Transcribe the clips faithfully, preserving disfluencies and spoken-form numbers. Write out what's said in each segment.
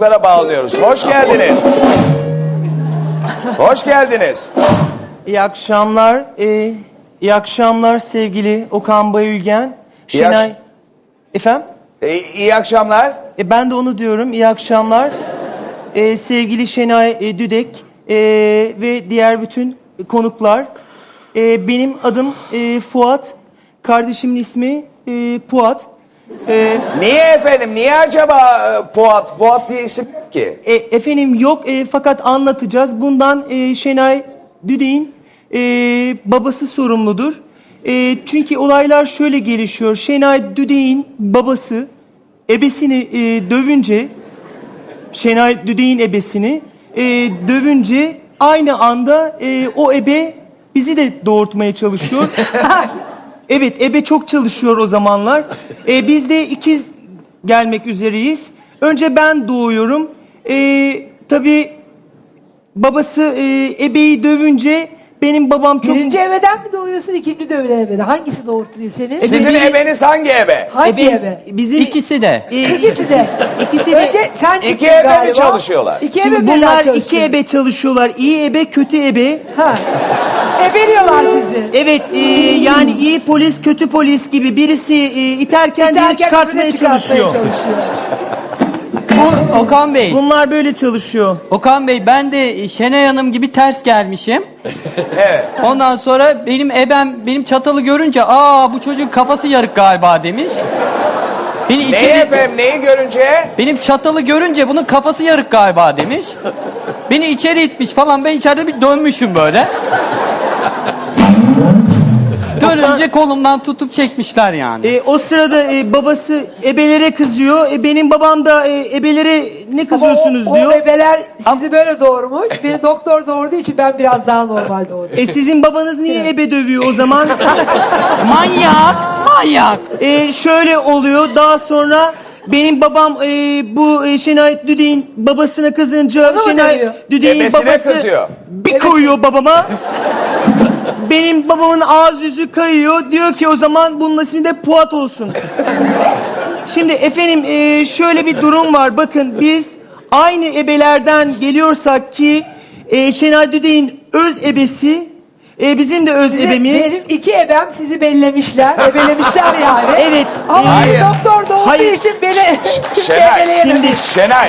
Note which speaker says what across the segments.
Speaker 1: çocuklara bağlıyoruz. Hoş geldiniz. Hoş geldiniz.
Speaker 2: İyi akşamlar. Ee, iyi akşamlar sevgili Okan Bayülgen.
Speaker 1: İyi
Speaker 2: Şenay.
Speaker 1: akş-
Speaker 2: Efendim?
Speaker 1: E, iyi akşamlar.
Speaker 2: E, ben de onu diyorum. İyi akşamlar. Ee, sevgili Şenay e, Düdek e, ve diğer bütün konuklar. E, benim adım e, Fuat. Kardeşimin ismi e, Puat. E,
Speaker 1: Niye efendim? Niye acaba e, Fuat? Fuat diye isim yok ki.
Speaker 2: E, efendim yok e, fakat anlatacağız. Bundan e, Şenay Düdek'in e, babası sorumludur. E, çünkü olaylar şöyle gelişiyor. Şenay Düdek'in babası ebesini e, dövünce, Şenay Düdek'in ebesini e, dövünce aynı anda e, o ebe bizi de doğurtmaya çalışıyor. Evet, ebe çok çalışıyor o zamanlar. E, biz de ikiz gelmek üzereyiz. Önce ben doğuyorum. E, tabii babası e, ebeyi dövünce benim babam çok...
Speaker 3: Birinci eveden mi doğuyorsun, ikinci dövülen eveden? Hangisi doğurtuyor seni?
Speaker 1: Sizin
Speaker 2: benim-
Speaker 1: ebeniz hangi ebe?
Speaker 3: Hangi
Speaker 2: Ebe-
Speaker 3: eve?
Speaker 2: Bizim
Speaker 4: İkisi de.
Speaker 2: e,
Speaker 3: İkisi de.
Speaker 2: İkisi de.
Speaker 3: Önce sen
Speaker 1: İki
Speaker 3: çıktın
Speaker 1: ebe mi
Speaker 3: galiba.
Speaker 1: çalışıyorlar?
Speaker 3: İki
Speaker 2: Şimdi
Speaker 3: ebe
Speaker 2: bunlar
Speaker 3: birden
Speaker 2: iki
Speaker 3: çalışıyor.
Speaker 2: ebe çalışıyorlar. İyi ebe, kötü ebe.
Speaker 3: Ha. Ebeliyorlar sizi.
Speaker 2: Evet, e, yani iyi polis, kötü polis gibi birisi e, iterken diğeri
Speaker 3: İterken
Speaker 2: çıkartmaya
Speaker 3: öbürüne çıkartmaya
Speaker 2: çalışıyor.
Speaker 3: çalışıyor.
Speaker 4: Bu Okan Bey.
Speaker 2: Bunlar böyle çalışıyor.
Speaker 4: Okan Bey ben de Şenay Hanım gibi ters gelmişim.
Speaker 1: Evet.
Speaker 4: Ondan sonra benim ebem benim çatalı görünce aa bu çocuğun kafası yarık galiba demiş. Beni
Speaker 1: Neyi
Speaker 4: içeri,
Speaker 1: efendim? Neyi görünce?
Speaker 4: benim çatalı görünce bunun kafası yarık galiba demiş. Beni içeri itmiş falan, ben içeride bir dönmüşüm böyle. Dönünce kolumdan tutup çekmişler yani.
Speaker 2: E, o sırada e, babası ebelere kızıyor. E, benim babam da e, ebelere ne kızıyorsunuz
Speaker 3: o,
Speaker 2: diyor.
Speaker 3: O bebeler sizi böyle doğurmuş. Beni doktor doğurduğu için ben biraz daha normal doğdum.
Speaker 2: E, sizin babanız niye ebe dövüyor o zaman?
Speaker 4: Manyak, manyak.
Speaker 2: E, şöyle oluyor. Daha sonra benim babam e, bu e, Şenay Düdek'in babasına kızınca
Speaker 3: Onu mu
Speaker 2: Şenay
Speaker 3: dövüyor?
Speaker 2: Düdek'in
Speaker 1: Ebesine
Speaker 2: babası
Speaker 1: kızıyor.
Speaker 2: bir
Speaker 3: Evet.
Speaker 2: koyuyor babama. Benim babamın ağız yüzü kayıyor. Diyor ki o zaman bunun ismi de Puat olsun. Şimdi efendim e, şöyle bir durum var. Bakın biz aynı ebelerden geliyorsak ki e, Şenay Düdek'in öz ebesi e, bizim de öz
Speaker 3: Sizi-
Speaker 2: ebemiz.
Speaker 3: Benim iki ebem sizi bellemişler. Ebelemişler yani.
Speaker 2: Evet.
Speaker 3: Ama
Speaker 2: e,
Speaker 1: Hayır.
Speaker 3: doktor doğurduğu
Speaker 2: Hayır.
Speaker 3: için beni
Speaker 1: Şenay.
Speaker 3: ebeleyememiş.
Speaker 2: Şimdi
Speaker 1: Şenay.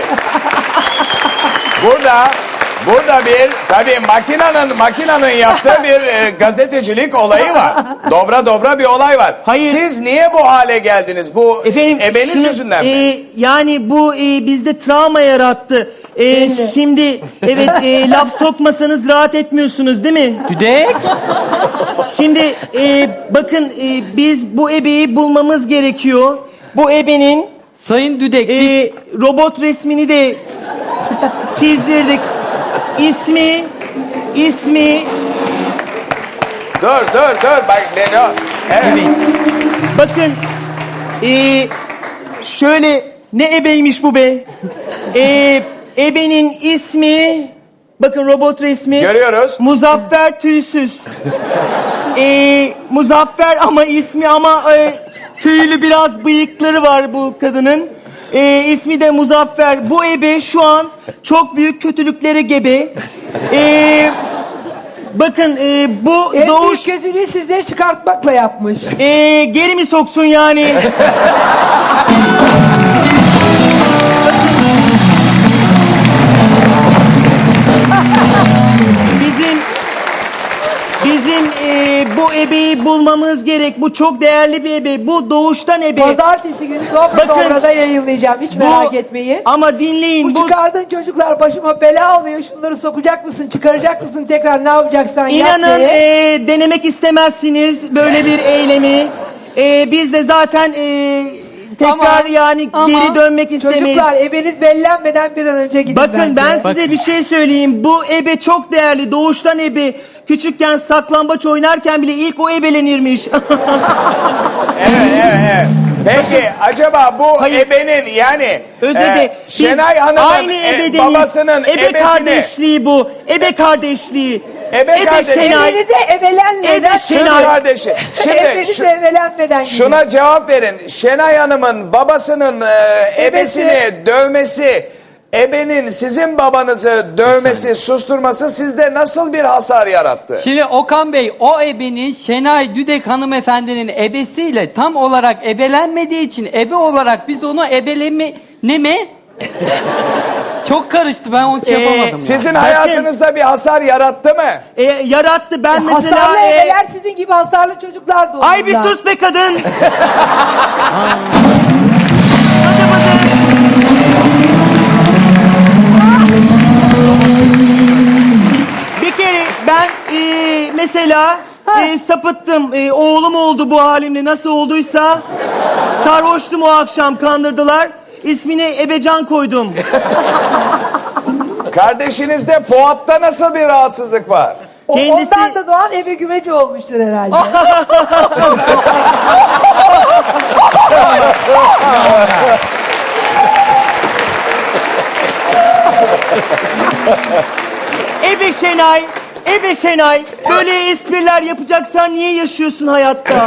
Speaker 1: Burada burada bir tabii makinanın makinanın yaptığı bir e, gazetecilik olayı var. Dobra dobra bir olay var.
Speaker 2: Hayır.
Speaker 1: Siz niye bu hale geldiniz? Bu
Speaker 2: Efendim
Speaker 1: ebeniz
Speaker 2: şunu-
Speaker 1: yüzünden mi?
Speaker 2: e, yani bu e, bizde travma yarattı. E,
Speaker 3: Belli.
Speaker 2: şimdi evet e, laf sokmasanız rahat etmiyorsunuz değil mi?
Speaker 4: Düdek.
Speaker 2: Şimdi e, bakın e, biz bu ebeyi bulmamız gerekiyor. Bu ebenin
Speaker 4: Sayın Düdek.
Speaker 2: e,
Speaker 4: biz-
Speaker 2: robot resmini de çizdirdik. İsmi ismi
Speaker 1: Dur dur dur bak ne ne? Evet.
Speaker 2: bakın e, şöyle ne ebeymiş bu be? E, ebenin ismi bakın robot resmi.
Speaker 1: Görüyoruz.
Speaker 2: Muzaffer Tüysüz. Ee, Muzaffer ama ismi ama e, tüylü biraz bıyıkları var bu kadının. Ee, ismi de Muzaffer. Bu ebe şu an çok büyük kötülüklere gebe. Ee, bakın e, bu
Speaker 3: En
Speaker 2: doğuş
Speaker 3: büyük kötülüğü sizleri çıkartmakla yapmış.
Speaker 2: e, geri mi soksun yani? Bizim bizim e, bu ebeyi bulmamız gerek. Bu çok değerli bir ebe. Bu doğuştan ebe.
Speaker 3: Pazartesi günü Dobra
Speaker 2: Bakın,
Speaker 3: Dobra'da yayınlayacağım. Hiç
Speaker 2: Bu-
Speaker 3: merak etmeyin.
Speaker 2: Ama dinleyin.
Speaker 3: Bu çıkardığın çocuklar başıma bela alıyor. Şunları sokacak mısın, çıkaracak mısın tekrar ne yapacaksan yap
Speaker 2: İnanın
Speaker 3: diye.
Speaker 2: e, denemek istemezsiniz böyle bir eylemi. E, biz de zaten e, tekrar
Speaker 4: Ama-
Speaker 2: yani
Speaker 4: ama-
Speaker 2: geri dönmek istemeyiz.
Speaker 3: Çocuklar ebeniz bellenmeden bir an önce gidin
Speaker 2: Bakın
Speaker 3: bence.
Speaker 2: ben size bir şey söyleyeyim. Bu ebe çok değerli. Doğuştan ebe. Küçükken saklambaç oynarken bile ilk o ebelenirmiş.
Speaker 1: Evet evet evet. Peki acaba bu
Speaker 2: Hayır.
Speaker 1: ebenin yani
Speaker 2: Özede
Speaker 1: e,
Speaker 2: biz
Speaker 1: Şenay Hanım'ın
Speaker 2: aynı
Speaker 1: e,
Speaker 2: ebedeniz.
Speaker 1: babasının
Speaker 2: Ebe
Speaker 1: ebesini
Speaker 2: kardeşliği bu. Ebe kardeşliği.
Speaker 1: Ebe kardeşi.
Speaker 2: Şenay.
Speaker 3: Ebenize ebelenmeden
Speaker 2: Ebe
Speaker 1: Şenay
Speaker 2: Şenay.
Speaker 1: kardeşi. Şimdi
Speaker 3: Ebenize
Speaker 1: şu-
Speaker 3: ebelenmeden gidin.
Speaker 1: şuna cevap verin. Şenay Hanım'ın babasının e, ebesini dövmesi ebenin sizin babanızı dövmesi, susturması sizde nasıl bir hasar yarattı?
Speaker 4: Şimdi Okan Bey, o ebenin Şenay Düdek hanımefendinin ebesiyle tam olarak ebelenmediği için ebe olarak biz onu ebeleme ne mi? Çok karıştı, ben onu şey
Speaker 2: Ee,
Speaker 4: yapamadım. ya.
Speaker 1: Sizin
Speaker 2: Bakın-
Speaker 1: hayatınızda bir hasar yarattı mı?
Speaker 2: E, yarattı ben mesela...
Speaker 3: Hasarlı
Speaker 2: e,
Speaker 3: ebeler sizin gibi hasarlı çocuklar doğururlar.
Speaker 2: Ay bir sus be kadın. Bir kere ben e, mesela e, sapıttım. E, oğlum oldu bu halimle, nasıl olduysa. Sarhoştum o akşam, kandırdılar. İsmini Ebecan koydum.
Speaker 1: Kardeşinizde Fuat'ta nasıl bir rahatsızlık var?
Speaker 3: O,
Speaker 2: Kendisi-
Speaker 3: Ondan da doğan ebe gümeci olmuştur herhalde.
Speaker 2: Ebe Şenay, Ebe Şenay. Böyle espriler yapacaksan niye yaşıyorsun hayatta?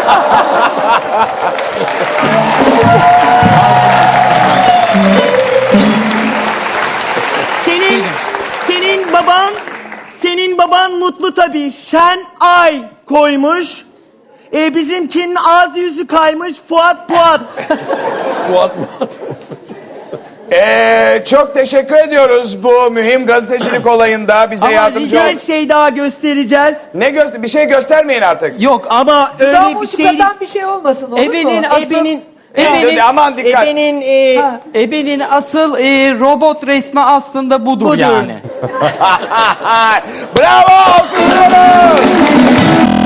Speaker 2: Senin, senin baban, senin baban mutlu tabii. Şen ay koymuş. E, bizimkinin ağzı yüzü kaymış. Fuat Fuat.
Speaker 1: Ee, çok teşekkür ediyoruz bu mühim gazetecilik olayında bize
Speaker 4: Ama
Speaker 1: yardımcı
Speaker 2: Bir
Speaker 1: ol.
Speaker 2: şey daha göstereceğiz.
Speaker 1: Ne göster? Bir şey göstermeyin artık.
Speaker 4: Yok,
Speaker 2: Ama öyle
Speaker 3: Daha
Speaker 2: bir
Speaker 3: musluk
Speaker 2: şey değil.
Speaker 3: atan bir şey olmasın, olur
Speaker 4: ebenin
Speaker 3: mu?
Speaker 4: asıl
Speaker 2: Ebenin-
Speaker 4: ebenin,
Speaker 1: Aman dikkat.
Speaker 2: Ebenin e,
Speaker 3: Ha.
Speaker 4: ebenin asıl e, robot resmi aslında budur,
Speaker 2: Budur.
Speaker 4: yani.
Speaker 1: Bravo! Alkışlıyoruz!